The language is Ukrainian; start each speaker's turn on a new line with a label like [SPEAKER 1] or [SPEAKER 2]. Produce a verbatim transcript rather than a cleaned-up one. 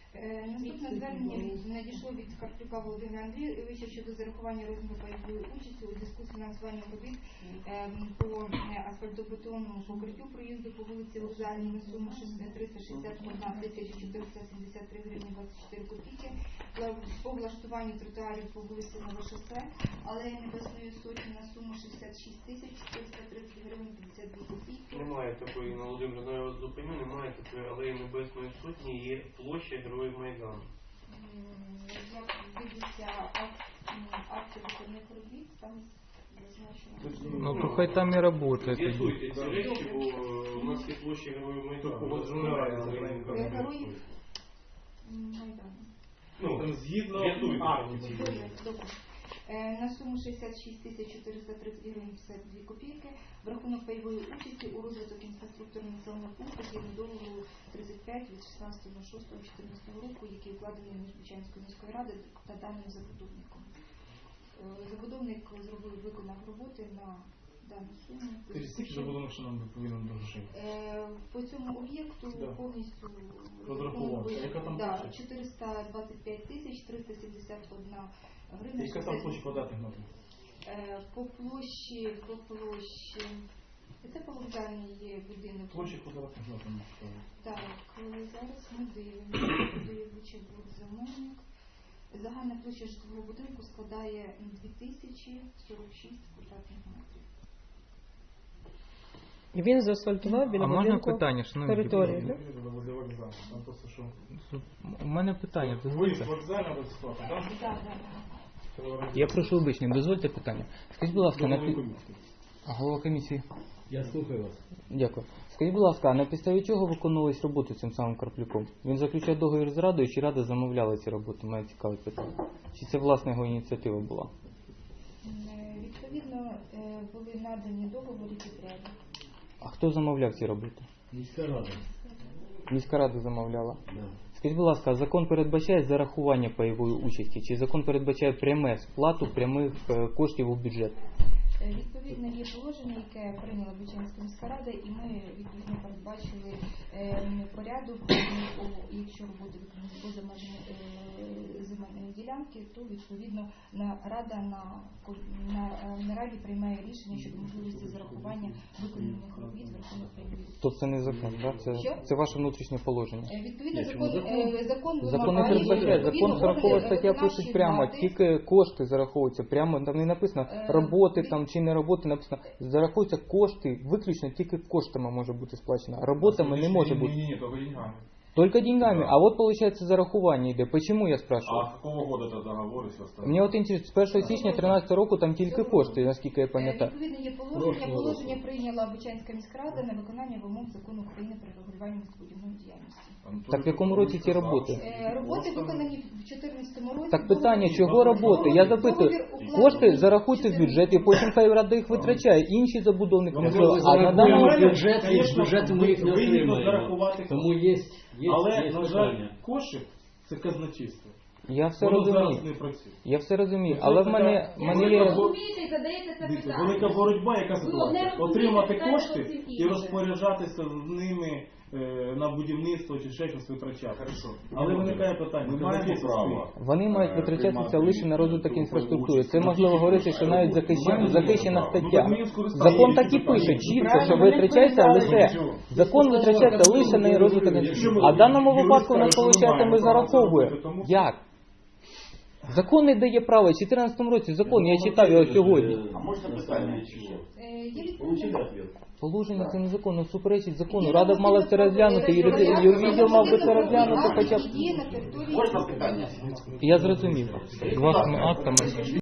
[SPEAKER 1] Е, Наступне звернення надійшло від Карплюка Володимира Андрійовича щодо зарахування розміру пайової участі у зв'язку з фінансуванням робіт е, по е, асфальтобетонному покриттю проїзду по вулиці Вокзальній на суму триста шістдесят одна тисяча чотириста сімдесят три гривні двадцять чотири копійки, по влаштуванню тротуарів по вулиці Новошосе, алеї Небесної Сотні на суму шістдесят шість тисяч чотириста тридцять гривень п'ятдесят дві копійки.
[SPEAKER 2] Немає такої, на Володимир, я вас зупиню, немає такої алеї Небесної Сотні, є площа Героїв Майдану.
[SPEAKER 1] Як дивіться акти виконних робіт, там зазначено.
[SPEAKER 3] Ну то хай там і працює.
[SPEAKER 2] З'ясуйте ці речі, бо у нас є площа Героїв Майдану.
[SPEAKER 1] Героїв Майдану.
[SPEAKER 2] Ну,
[SPEAKER 4] згідно
[SPEAKER 2] з'ясуйте.
[SPEAKER 1] Добре. На суму шістдесят шість тисяч чотириста тридцять гривень п'ятдесят дві копійки в рахунок пайової участі у розвиток інфраструктури населеного пункту згідно договору тридцять п'ять від шістнадцятого шостого чотирнадцятого року, який укладений між Бучанською міською радою та даним забудовником. Забудовник зробив, виконав роботи на дану суму.
[SPEAKER 4] Скільки забудовник, що нам повинен до грошей?
[SPEAKER 1] По цьому об'єкту
[SPEAKER 4] Да.
[SPEAKER 1] повністю
[SPEAKER 4] розрахувався. Яка там
[SPEAKER 1] да,
[SPEAKER 4] площа?
[SPEAKER 1] чотириста двадцять п'ять тисяч триста сімдесят одна гривня.
[SPEAKER 4] Яка там площа квадратних метрів?
[SPEAKER 1] Е, По площі, по площі, це по вокзальній є будинок.
[SPEAKER 4] Площа квадратних метрів.
[SPEAKER 1] Так, зараз ми дивимося, куди Вичебур замовник. Загальна площа житлового будинку складає дві тисячі сорок шість квадратних метрів.
[SPEAKER 5] І він заасфальтував біля
[SPEAKER 3] А можна
[SPEAKER 5] будинку
[SPEAKER 3] питання, шановні
[SPEAKER 5] територію,
[SPEAKER 3] депутати?
[SPEAKER 5] так?
[SPEAKER 4] Там просто що?
[SPEAKER 3] У мене питання,
[SPEAKER 4] Ви з
[SPEAKER 3] дозвольте.
[SPEAKER 4] вокзального розклада, так?
[SPEAKER 1] Так, так.
[SPEAKER 3] Я прошу вибачення, дозвольте питання. Скажіть, будь ласка, на пі- А, голова комісії.
[SPEAKER 4] Я слухаю вас.
[SPEAKER 3] Дякую. Скажіть, будь ласка, а на підставі чого виконувались роботи цим самим Карплюком? Він заключав договір з Радою, чи Рада замовляла ці роботи? Мене цікавить питання. Чи це власна його ініціатива була?
[SPEAKER 1] Е, Відповідно, е, були надані договори підряду.
[SPEAKER 3] А хто замовляв ці роботи?
[SPEAKER 4] Міська рада.
[SPEAKER 3] Міська рада замовляла.
[SPEAKER 4] Да.
[SPEAKER 3] Скажіть, будь ласка, закон передбачає зарахування пайової участі, чи закон передбачає пряме сплату прямих е, коштів у бюджет?
[SPEAKER 1] Е, Відповідно, є положення, яке прийняла Бучанська міська рада, і ми відповідно передбачили е, порядок, о, якщо роботи виконані поза межами е, земельної ділянки, то відповідно на рада на, ко- на, е, на раді приймає рішення щодо можливості зарахування виконаних робіт в рахунок пайової.
[SPEAKER 3] То це не закон, да? Це,
[SPEAKER 1] Що?
[SPEAKER 3] це ваше внутрішнє положення.
[SPEAKER 1] Е, Відповідно,
[SPEAKER 4] Ні,
[SPEAKER 1] закон,
[SPEAKER 4] чому
[SPEAKER 1] е, закон
[SPEAKER 3] Закон не
[SPEAKER 1] вимагає,
[SPEAKER 3] передбачає,
[SPEAKER 1] відповідно,
[SPEAKER 3] закон сорокова
[SPEAKER 1] органи
[SPEAKER 3] стаття пишуть
[SPEAKER 1] виконавчої
[SPEAKER 3] прямо,
[SPEAKER 1] влади,
[SPEAKER 3] тільки кошти зараховуються, прямо там не написано
[SPEAKER 1] Е,
[SPEAKER 3] роботи
[SPEAKER 1] ви-
[SPEAKER 3] там чи не роботи, написано зараховуються кошти, виключно тільки коштами може бути сплачено, роботами не може бути.
[SPEAKER 4] Ні, ні, только деньгами.
[SPEAKER 3] Только деньгами, а вот получается зарахування йде. Почему я спрашиваю?
[SPEAKER 6] А с какого года это договор и все остальное?
[SPEAKER 3] Мені от інтересно, з першого січня дві тисячі тринадцятого року там тільки кошти, наскільки я
[SPEAKER 1] Е,
[SPEAKER 3] пам'ятаю.
[SPEAKER 1] Відповідно, є положення. Положення прийняла Бучанська міська рада на виконання вимог закону України про регулювання містобудівної діяльності.
[SPEAKER 3] Так в якому році ці роботи?
[SPEAKER 1] Е, Роботи виконані в дві тисячі чотирнадцятому році.
[SPEAKER 3] Так питання,
[SPEAKER 1] Договір-
[SPEAKER 3] чого роботи? Я запитую,
[SPEAKER 1] договір укладений
[SPEAKER 3] кошти
[SPEAKER 1] в
[SPEAKER 3] зарахуйте в бюджет і потім хай рада їх витрачає. Інші забудовники не зробили. А на даному
[SPEAKER 7] бюджет, і з бюджету ми їх не отримаємо. Тому є, є,
[SPEAKER 4] Але,
[SPEAKER 7] є
[SPEAKER 4] на жаль,
[SPEAKER 7] питання.
[SPEAKER 4] кошик це казначейство.
[SPEAKER 3] я все
[SPEAKER 4] Воно зараз
[SPEAKER 3] розумію.
[SPEAKER 4] не працює.
[SPEAKER 3] Я все розумію,
[SPEAKER 4] Це
[SPEAKER 3] але в
[SPEAKER 4] така-
[SPEAKER 3] мене, в мене
[SPEAKER 8] Ви
[SPEAKER 3] є.
[SPEAKER 8] розумієте і задаєте це
[SPEAKER 4] Дивіться,
[SPEAKER 8] питання.
[SPEAKER 4] велика боротьба, яка ситуація.
[SPEAKER 8] одне розумієте,
[SPEAKER 4] Отримати
[SPEAKER 8] питання
[SPEAKER 4] кошти
[SPEAKER 8] зовсім
[SPEAKER 4] і
[SPEAKER 8] інше.
[SPEAKER 4] розпоряджатися з ними е, на будівництво чи ще щось витрачати. Але виникає питання,
[SPEAKER 6] Ми маємо
[SPEAKER 4] казначейство
[SPEAKER 6] право.
[SPEAKER 4] стоїть.
[SPEAKER 3] Вони мають витрачатися лише на розвиток інфраструктури. Це можливо говорити, що навіть захищена, захищена стаття. Закон так і пише чітко, що витрачається лише закон витрачається лише на розвиток інфраструктури. А в даному випадку у нас виходить, ми зараховуємо. Як? Закон не дає права. В дві тисячі чотирнадцятому році закон, я читав його сьогодні.
[SPEAKER 6] А можно питание?
[SPEAKER 1] Е, Є відповідь.
[SPEAKER 7] Получили ответ?
[SPEAKER 3] Положення це незаконно, суперечить закону. Рада б мала це розглянути, юрвідділ мав би це розглянути хоча б.
[SPEAKER 1] Є на території.
[SPEAKER 6] Можно питание?
[SPEAKER 3] Я зрозумів. Вашими актами.